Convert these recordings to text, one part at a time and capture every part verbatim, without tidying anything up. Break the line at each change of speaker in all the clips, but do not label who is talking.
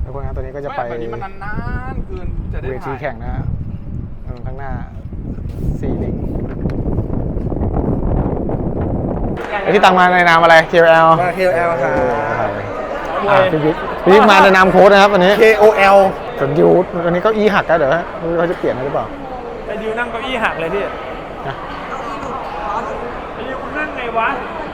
ทุกคนครับตอนนี้ก็จะไป
แบบนี้มันนานๆเกินจะได้
เวทีแข่งนะฮะข้างหน้าซีลิงไอที่ตังมาในนามอะไร เค โอ แอล
มา เค โอ แอล ครับ
พี่บิ๊กพี่บิ๊กมาในนามโค้ชนะครับวันนี้
เค โอ แอล
ส่วนดิววันนี้เก้าอี้หักแล้วเดี๋ยวเขาจะเปลี่ยนหรือเปล่า
ไอ้ดิวนั่งเก้าอี้หักเลยพี่
นะ
ไอ้ดิวคุณนั่งไงวะ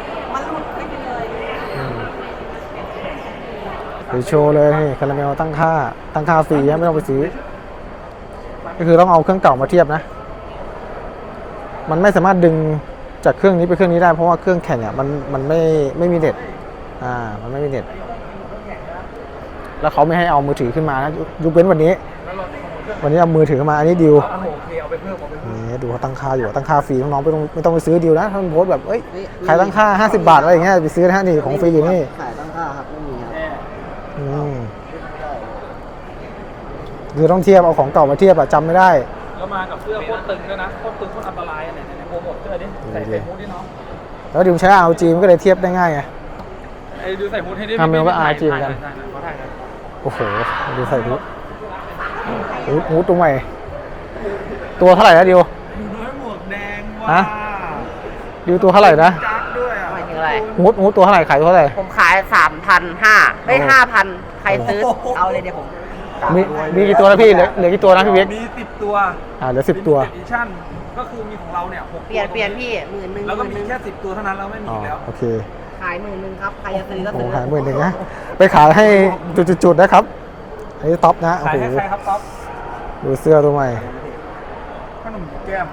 หรือโชว์เลยนี่คาราเมลตั้งค่าตั้งค่าฟรีไม่ต้องไปซื้อก็คือต้องเอาเครื่องเก่ามาเทียบนะมันไม่สามารถดึงจากเครื่องนี้ไปเครื่องนี้ได้เพราะว่าเครื่องแข่งอ่ะมันมันไม่ไม่มีเน็ตอ่ามันไม่มีเน็ตแล้วเขาไม่ให้เอามือถือขึ้นมานะยกเว้นวันนี้วันนี้เอามือถือขึ้นมาอันนี้ดิวนี่ดูเขาตั้งค่าอยู่ตั้งค่าฟรีน้องๆไม่ต้องไม่ต้องไปซื้อดิวนะถ้ามันโพสแบบเอ้ยขายตั้งค่าห้าสิบบาทอะไรอย่างเงี้ยไปซื้อนะนี่ของฟรีอยู่นี่
ขายตั้งค่าครับไม่มีครับ
อืมคือต้องเทียบเอาของเก่ามาเทียบอะจำไม่ได้
แล้วมากับเสื้อโคตรตึงด้วยนะโคตรตึงโคตรอันตรายอันไหนในโปรโมทเสื้อดิใส่ใส่ฮู้ดดิเนาะ
แล้วดิวใช้ อาร์ จี มันก็เลยเทียบได้ง่ายไง
ไอ้ดิวใส่ฮู้ดให้ดิ
ทำเมลว่า อาร์ จี เหมือนกัน
เขาถ่ายกัน
โอ้โหดิวใส่ฮูดฮูดฮูดตัวใหม่ตัวเท่าไหร่นะดิว
น้อยหมวกแดง
ฮะ
ว้า
ดิวตัวเท่าไหร่นะ
จักด้วยอ่ะ
หมายถึงอะไร
ฮูดฮูดตัวเท่าไหร่ขายตัวเท่าไหร่
ผมขายสามพันห้าเอ้ย
โอ้
ห้าพันใครซื้อ เอาเลยเดี๋ยวผม
มีมีกี่ตัวนะพี่เหลือเหลือกี่ตัวนะพี่เบิ๊ก
มีสิบตัว
อ่าเหลือสิบตัว
ดิชั่นก็คือมีของเราเนี่ยหก
เปลี่ยนเปลี่ยนพี่หมื่นหนึ่ง
แล้วก็
ห
มี
มื่นหนึ่ง
แค่สิบตัวเท่านั้นแล้วไม่มี
อ๋อ
อีกแล้ว
โอเค
ขายหมื่นหนึ่งครับ ใครจะซื้อก็
โอ้
ซื้อ
ขายหมื่นหนึ่งนะไปขายให้จุดๆๆนะครับอันนี้ท็อปนะโอ้
ขาย
โห
ให้ใครครับต๊อป
ดูเสื้อตัวใหม่
ขนมแก้ม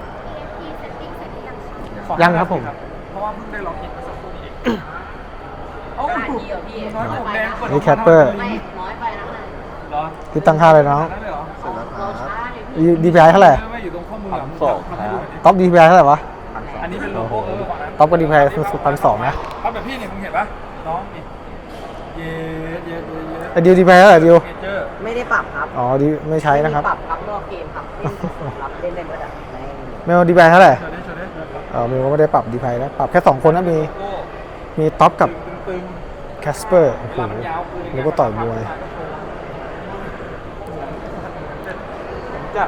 ขอ
ยังครับผม
เพราะว่าเพิ่งได้ลองกินมาสักครู่นี้เองเอ้า
ขายดีเหรอพี่
น้อยหมวกแดงกด
นี่แคปเปอร์
ไม่น้อยไปนะเลย
เหรอ
ที่ตั้งค่าเลยน้อง
นั่นเลยเหรอ
เสร็จแล้วครับ
ดีพีไอเท่าไหร่
ไม่อยู่ตรงข้อมือ
พันสองครับ
ท็อปดีพีไอเท่าไหร่วะ
อันนี้เป็นโลโก้เออของนั้น
ท็อปก็ดีพีไอพันสองนะ
ท็อปแบบพี่เนี่ยมึงเห็นปะน้องนี่เย้เย้เย้เย้
ไอดิวดีพีไอเท่าไหร่ดิว
เนเจอร์
ไม่ได้ปรับครับ
อ๋อดีไม่ใช้นะครับ
ไม่ได้ปรับครับนอกเกมครับเล่นครับเล่นได้หมดอ่ะใน
เมลดีพีไอเท่าไหร่
โชว์ได้โชว์ได้โชว์ได้
เออเมลก็ไม่ได้ปรับดีพีไอนะปรับแค่สองคนนะมี
โลโก้
มีท็อปกับ
ตึง
แคสเปอร์โอ้
ๆ
โห
เวลามันยาวคือ
แล้วก็ต่อยมวย
จัด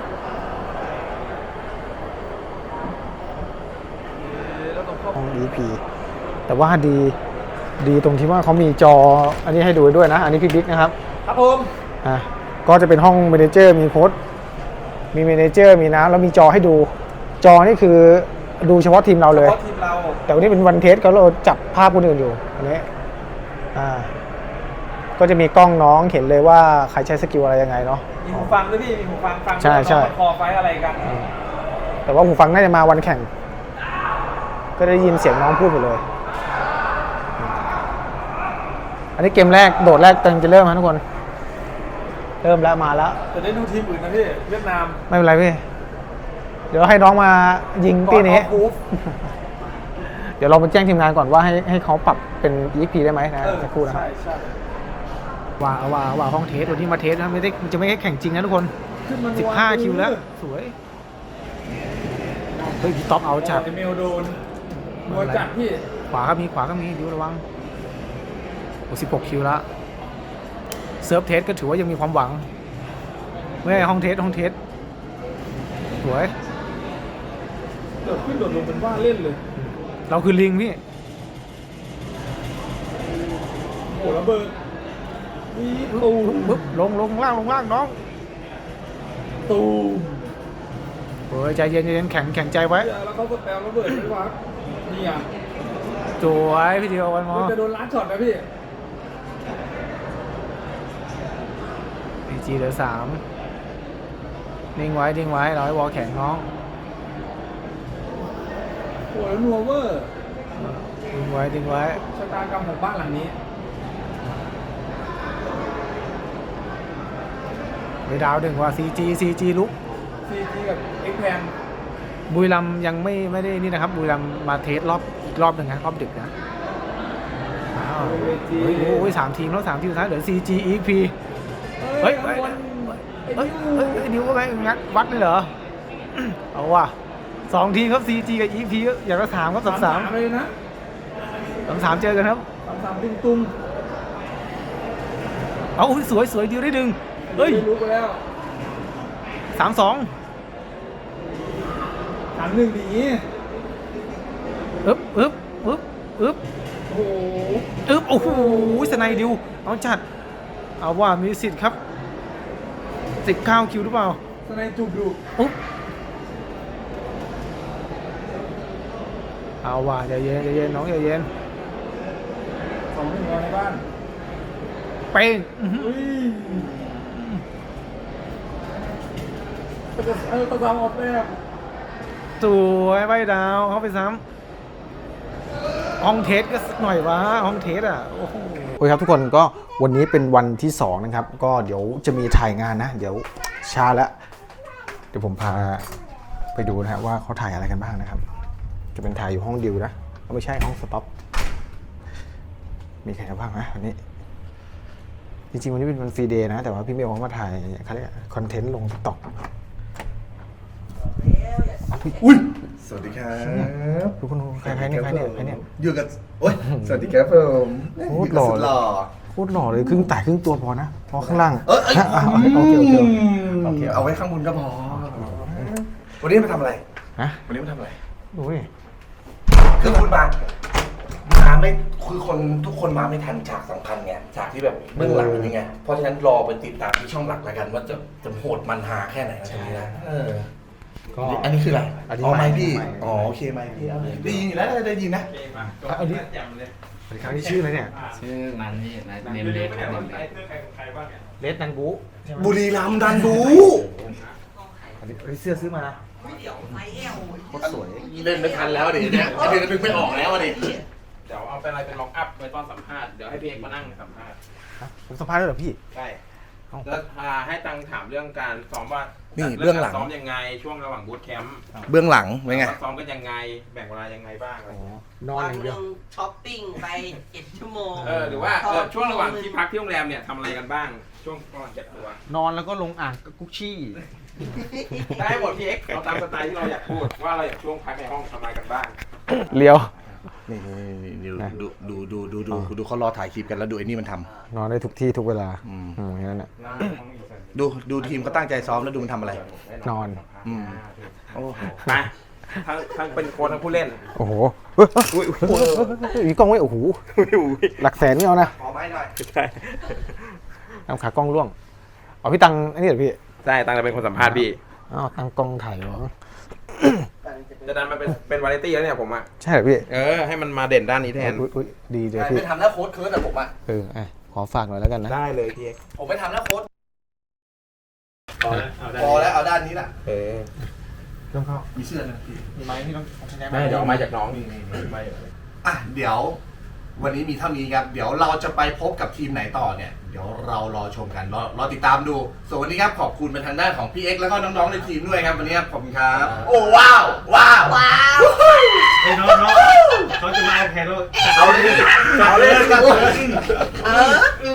ห้อง อี พี แต่ว่าดีดีตรงที่ว่าเขามีจออันนี้ให้ดูด้วยนะ อันนี้พี่บิ๊กนะครับ
ครับผม
อ่ะก็จะเป็นห้องเมเนเจอร์มีโค้ดมีเมเนเจอร์มีน้ำแล้วมีจอให้ดู จอนี่คือดูเฉพาะทีมเราเลย
เพราะทีมเรา
แต่วันนี้เป็นวันเทสก็เราจับภาพคนอื่นอยู่อันนี้อ่าก็จะมีกล้องน้องเห็นเลยว่าใครใช้สกิลอะไรยังไงเนาะ
มีหูฟังด้วยพี่มีหูฟังฟัง
ใช่ใช่
ว่าน้องมันคอไฟอะไรกัน
แต่ว่าหูฟังน่าจะมาวันแข่ง ก็ได้ยินเสียงน้องพูดหมดเลย อันนี้เกมแรกโดดแรกเต็มจะเริ่มครับทุกคน เริ่มแล้วมาแล้ว
จะได้ดูทีมอื่นนะพี่เวียดนาม
ไม่เป็นไรพี่ เดี๋ยวให้น้องมายิงตีนี้
ก่อเอาบูฟ
เดี๋ยวเราไปแจ้งทีมงานก่อนว่าให้ให้เขาปรับเป็น อี เอ็กซ์ พี ได้ไหมนะสักครู่นะครับ
ใช่ใช่
ว่าว่าว่าห้องเทสวันที่มาเทสนะไม่ได้จะไม่ได้แข่งจริงนะทุกคน
ขึ้นมา
สิบห้าคิวแล้ว สวย เฮ้ยพี่ท็อปเอาจัด
ไอเมลโดนนัวจัดพี่
ขวาก็มีขวาก็มีดิวระวังโอ้สิบหกคิวแล้วเซิร์ฟเทสก็ถือว่ายังมีความหวังไม่ใช่ห้องเทสห้องเทสสวย
โดดขึ้นโดดลงเป็นว่าเล่นเลย
เราคือลิงพี่
โอ้ระเบิดวีตูม
ปึ๊บลงลงล่างลงล่างน้อง
ตูม
เฮ้ยใจเย็นใจเย็นแข็งแข็งใจไว้
แล้วเขาก็แปลระเบิดไม่วักนี่อ่ะ
สวยพี่เดียววันมอ
มันจะโดนล้านช็อตนะพี่
พีจีเหลือสามนิ่งไว้นิ่งไว้เราให้วอลแข็งน้อง
โอ้แล้วนัวเวอร์
นิ่งไว้นิ่งไว้
ชะตากรรมของบ้านหลังนี้
ไปดาวหนึ่งว่า ซี จี ซี จี ลุก
ซีจีกับเอ็กแพน
บุรีรัมย์ยังไม่ไม่ได้นี่นะครับบุรีรัมย์มาเทสรอบอีกรอบหนึ่งนะรอบดึกนะอ้าวเฮ้ยโอ้ยสามทีมแล้วสามทีมสุดท้ายเหลือ ซี จี อี พี เฮ้ยเฮ้ย เฮ้ยเฮ้ยเฮ้ยนิ้วว่าไงงัดวัดเลยเหรอ เอาว่ะสองทีมครับ ซี จี กับ อี พี อย่างละสามครับสามสาม
เลยนะ
สามสามเจอกันครับ
สามสามตุ้งตุ้ง
เอาสวยสวยดิวได้ดึงเฮ้ย
รู้ไปแล้ว
สามสอง
สามหนึ่งดี
อึ๊บอึ๊บอึ๊บอึ๊บ
โอ้โห
อึ๊บโอ้โหสไนดิวเอาจัดเอาว่ามีสิทธิ์ครับสิบเก้าคิวหรือเปล่า
สไนจุกดุ
อุ๊บเอาว่าใจเย็นใจเย็นน้องใจเย็น
สองหนึ่งในบ้าน
เป้งอื้อหือ
อุ้ยก็จะเออก็ทำออกแบบ
สวยใบดาวเข้าไปซ้ำห้องเทสก็สักหน่อยวะห้องเทสอ่ะโอ้โหโอเคครับทุกคนก็วันนี้เป็นวันที่สองนะครับก็เดี๋ยวจะมีถ่ายงานนะเดี๋ยวช้าแล้วเดี๋ยวผมพาไปดูนะฮะว่าเขาถ่ายอะไรกันบ้างนะครับจะเป็นถ่ายอยู่ห้องดิวนะก็ไม่ใช่ห้องสต็อปมีใครบ้างนะวันนี้จริงๆวันนี้เป็นวันฟรีเดย์นะแต่ว่าพี่เมย์เขามาถ่ายเขาเรียกคอนเทนต์ลงติ๊กต็อกอุ้ย
สวัสดีครับ
ทุกคนใครใครเนี่ยใครเนี่ยใครเนี่ย
อยู่กับโอ้ยสวัสดีครับผม
โคตรหล่อ
สุดหล่อ
โคตรหล่อเลยครึ่งแต่ครึ่งตัวพอนะพอข้างล่าง
เอ้ยเอ้ย
ฮะอ่ะโอเคโอเคโอเคโอเค
เอาไว้ข้างบนก็พอวันนี้มาทำอะไร
ฮะ
วันนี้มาทำอะไร
ดูดิ
คือคุณมามาไม่คือคนทุกคนมาไม่ทันฉากสำคัญไงฉากที่แบบเบื้องหลังเป็นยังไงเพราะฉะนั้นรอไปติดตามที่ช่องหลักแล้วกันว่าจะจะโหดมันหาแค่ไหนนะตรงนี้นะเออ
ก็
อันนี้คืออะไร
อันนี้
อ๋อไมค์พี่
ไมค์
อ๋อโอเคไมค์พี่เอาเลยได้ยินอยู่แล้วได้ยินนะ
อันนี้สวัสดีครับนี่ชื่ออะไรเนี่ย
ชื่อมันนี่นะเนมเล็กครับเนมเล็ก
เลสนันบูใช่ไหม
บุรีรัมย์ดันดู
อันนี้อันนี้เสื้อซื้อมานะโคตรสวย
เล่นไม่ทันแล้วดิเนี่ยเดี๋ยวนึกไม่ออกแล้วดิ
เดี๋ยวเอาเป็นอะไรเป็นล็อกอัพไว้ตอนสัมภาษณ์เดี๋ยวให้พี่เอกมานั่งสัมภาษณ์
ฮะผมสัมภาษณ์ด้วยเหรอพี่
ใช่
เอ้า
แล้วอ่าให้ตังถามเรื่องการซ้อมว่า
นี่
จัด
เบื้องหลัง
ซ้อมยังไงช่วงระหว่างบูตแคมป์
เบื้องหลังเป็นไง
ว่าซ้อมกันยังไงแบ่งเวลายังไงบ้างอะไร
อ๋อ
อย่างเงี้ย
นอนอย่างเดียว
ช้อปปิ้งไปเจ็ดชั่วโมง
เออหรือว่าเออช่วงระหว่างที่พักที่โรงแรมเนี่ยทำอะไรกันบ้าง ช่วงระหว่างเก็บตัวน
อนแล้วก็ลงอ่างกับกุ๊กชี่
ได้หมดพี่เอ็กซ์เอาตามสไตล์ที่เราอยากพูดว่าเราอยากช่วงพักในห้องทำอะไรกันบ้าง
เลี้ยว
นี่นี่
นะ
ดูดูดูดูดู
อ๋อ
ดูเขารอถ่ายคลิปกันแล้วดูไอ้นี่มันท
นอนได้ทุกที่ทุกเวลา
อืม
อืมอย่างนั้นแหละ
ำดูดูทีมเขาตั้งใจซ้อมแล้วดูมันทำอะไร
นอน
อืมโอ้โห
ไปทั้งทั้งเป็นโค้ชทั้งผู้เล่น
โอ้โหเฮ้ยเฮ้ยเฮ้ยเฮ้ยมีกล้องไว้โอ้โหหลักแสนนี่เอานะ
ขอไม้หน่อย
นำขากล้องร่วงเอาพี่ตังอันนี้เหรอพี่
ใช่ตังจะเป็นคนสัมภาษณ์พี่
อ้าวตังกล้องถ่ายเหรอ
จะดันมาเป็นเป็นวาไรตี้แล้วเนี่ยผมอ่ะ
ใช่เหรอพี่
เออให้มันมาเด่นด้านนี้แทน
อุ๊ยอุ๊ยดีเลยพี่
ไม่ทำแล้วโค้ดเคิร์ดอะผมอะ
เอออ่ะขอฝากหน่อยแล้วกันนะ
ได้เลยพี่เอ็กซ์
ผมไม่ทำแล้วโค้ด
พอแล้วเอาได้
พอแล้วเอาด้านนี้แหละ
เออ
เครื่องเข้า
มีเสื้อนะพี่
มีไม้ที่ต้องใช้
ไม่เดี๋ยวเอามาจากน้องนี่นี่นี่ไม่
อ่ะเดี๋ยววันนี้มีเท่านี้ครับ เดี๋ยวเราจะไปพบกับทีมไหนต่อเนี่ย เดี๋ยวเรารอชมกันรอรอติดตามดู ส่วนวันนี้ครับขอบคุณเป็นทางด้านของพี่เอ็กซ์แล้วก็น้องๆในทีมด้วยครับวันนี้ครับขอบคุณครับ โอ้ว้าวว้าว
ว้าว
เฮ้ยน้องน้องเขาจะมาเอาแพนแล้ว
เอาเลยเอาเลยกัน
เออ